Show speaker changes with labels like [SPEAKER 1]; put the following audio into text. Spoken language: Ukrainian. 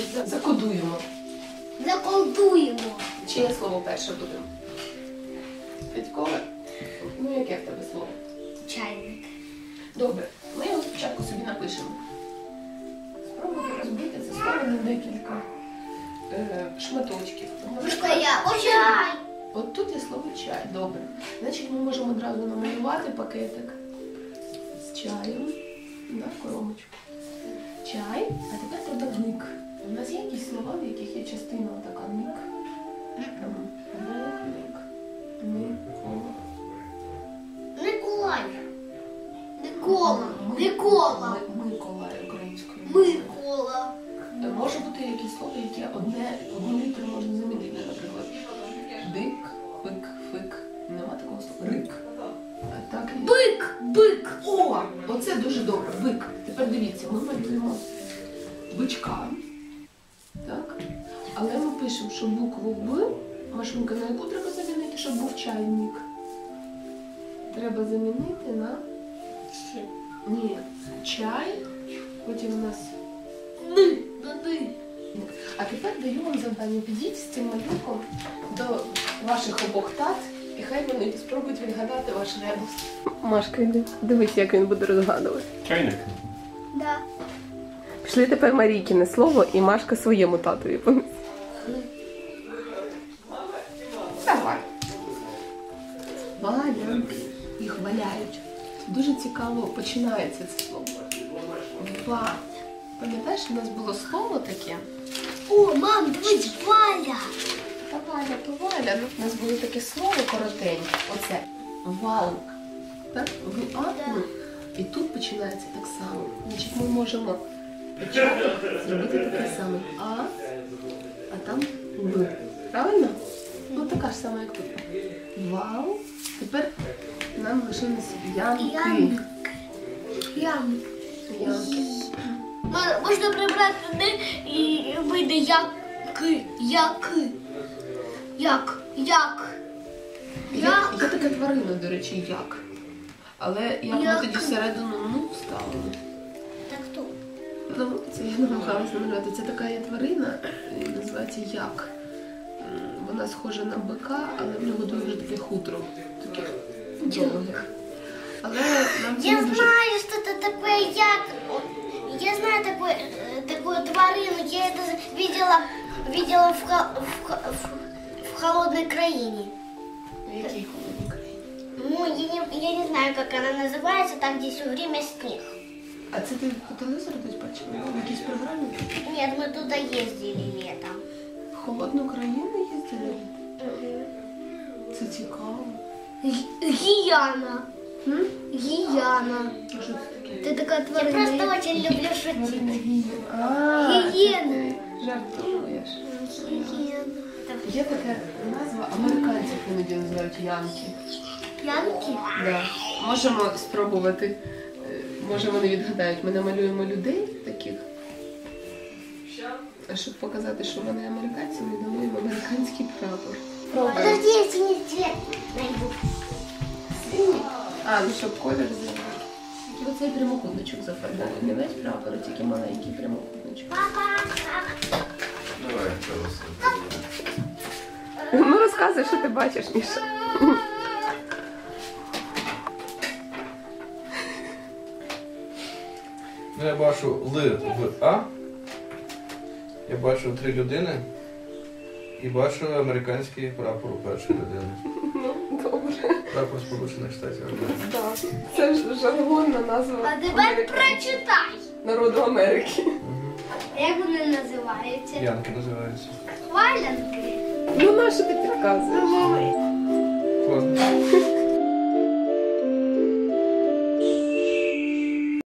[SPEAKER 1] Закодуємо.
[SPEAKER 2] Заколдуємо.
[SPEAKER 1] Чиє слово перше буде? Федькове? Ну, яке в тебе слово?
[SPEAKER 2] Чайник.
[SPEAKER 1] Добре, ми його спочатку собі напишемо. Спробуйте розбити це слово на декілька шматочків.
[SPEAKER 2] Чай.
[SPEAKER 1] От тут є слово чай. Добре. Значить, ми можемо одразу намалювати пакетик з чаєм на коробочку. Чай, а тепер треба ник. У нас є якісь слова, в яких є частина така ник. Ник.
[SPEAKER 2] Миколай. Микола.
[SPEAKER 1] Миколай українською.
[SPEAKER 2] Микола.
[SPEAKER 1] Може бути якісь слова, які одну літеру можна замінити, наприклад. Дик, пик, фик. Нема такого слова. Рик. А так і...
[SPEAKER 2] Бик.
[SPEAKER 1] О! Оце дуже добре. Бик. Тепер дивіться, ми малюємо бичка. Так? Але ми пишемо, що букву Б, Машунька, на яку треба замінити, щоб був чайник? Треба замінити на... Ні. Чай. Потім у нас... А тепер даю вам завдання. Підіть з цим малюком до ваших обох тат, і хай вони спробують відгадати ваш ребус. Машка, йди. Дивись, як він буде розгадувати.
[SPEAKER 3] Чайник.
[SPEAKER 2] Да.
[SPEAKER 1] Пішли тепер Марійкине слово, і Машка своєму татові понесе. Давай. Валянки. Їх валяють. Дуже цікаво починається це слово. Ва. Пам'ятаєш, у нас було слово таке?
[SPEAKER 2] О, мам, дивись, Валя.
[SPEAKER 1] Та Валя, то Валя. У нас було таке слово коротеньке. Оце. Вал. Так? В-А. І тут починається так само. Значить, ми можемо почати зробити таке саме а там В. Правильно? Ну, така ж сама, як тут. Вал. Тепер нам лишились ямки.
[SPEAKER 2] Янки.
[SPEAKER 1] Ямки.
[SPEAKER 2] Можна прибрати «д» і вийде яки.
[SPEAKER 1] Є така тварина, до речі, як. Але як ми тоді всередину вставили.
[SPEAKER 2] Так хто?
[SPEAKER 1] Ну, це я намагалася намалювати. Це така є тварина, називається як. Вона схожа на бика, але в нього дуже таке хутро. Таке довге. Але нам це
[SPEAKER 2] Я
[SPEAKER 1] не дуже...
[SPEAKER 2] знаю, что это такое як. Я знаю такую тварину. Я это видела в холодной краине.
[SPEAKER 1] В якій холодній країні?
[SPEAKER 2] Ну, я не знаю, как она называется, там где все время снег.
[SPEAKER 1] А це ти по телевізору десь бачила? В якійсь програмі?
[SPEAKER 2] Нет, мы туда ездили летом.
[SPEAKER 1] В холодну країну їздили? Це цікаво.
[SPEAKER 2] Гияна. Гияна.
[SPEAKER 1] А що це таке?
[SPEAKER 2] Ты такая тварина. Я просто очень люблю шутить.
[SPEAKER 1] Гієни. Жартуєш? Є така назва, американців іноді називають янки.
[SPEAKER 2] Янки?
[SPEAKER 1] Да. Можемо спробувати. Може вони відгадають. Ми намалюємо людей таких. А щоб показати, що вони американці, ми намалюємо американський прапор.
[SPEAKER 2] Подожди, я синий цвет найду.
[SPEAKER 1] Синій? А, ну щоб колір зробити. Тільки оцей прямокутничок зафарбований. Не весь прапор, а тільки маленький прямокутничок.
[SPEAKER 3] Давай,
[SPEAKER 1] Ну розказуй, що ти бачиш, Міша.
[SPEAKER 3] Ну, я бачу Л в А. Я бачу 3 людини. І бачу американський прапор у першої людини.
[SPEAKER 1] Ну, добре.
[SPEAKER 3] Прапор Сполучених Штатів Америки.
[SPEAKER 1] Так. Це ж жаргонна назва
[SPEAKER 2] А тепер прочитай.
[SPEAKER 1] народу Америки.
[SPEAKER 2] Як вони називаються?
[SPEAKER 3] Янки називаються.
[SPEAKER 2] Хвалянки.
[SPEAKER 1] Ну, на що ти підказуєш?
[SPEAKER 3] Ладно.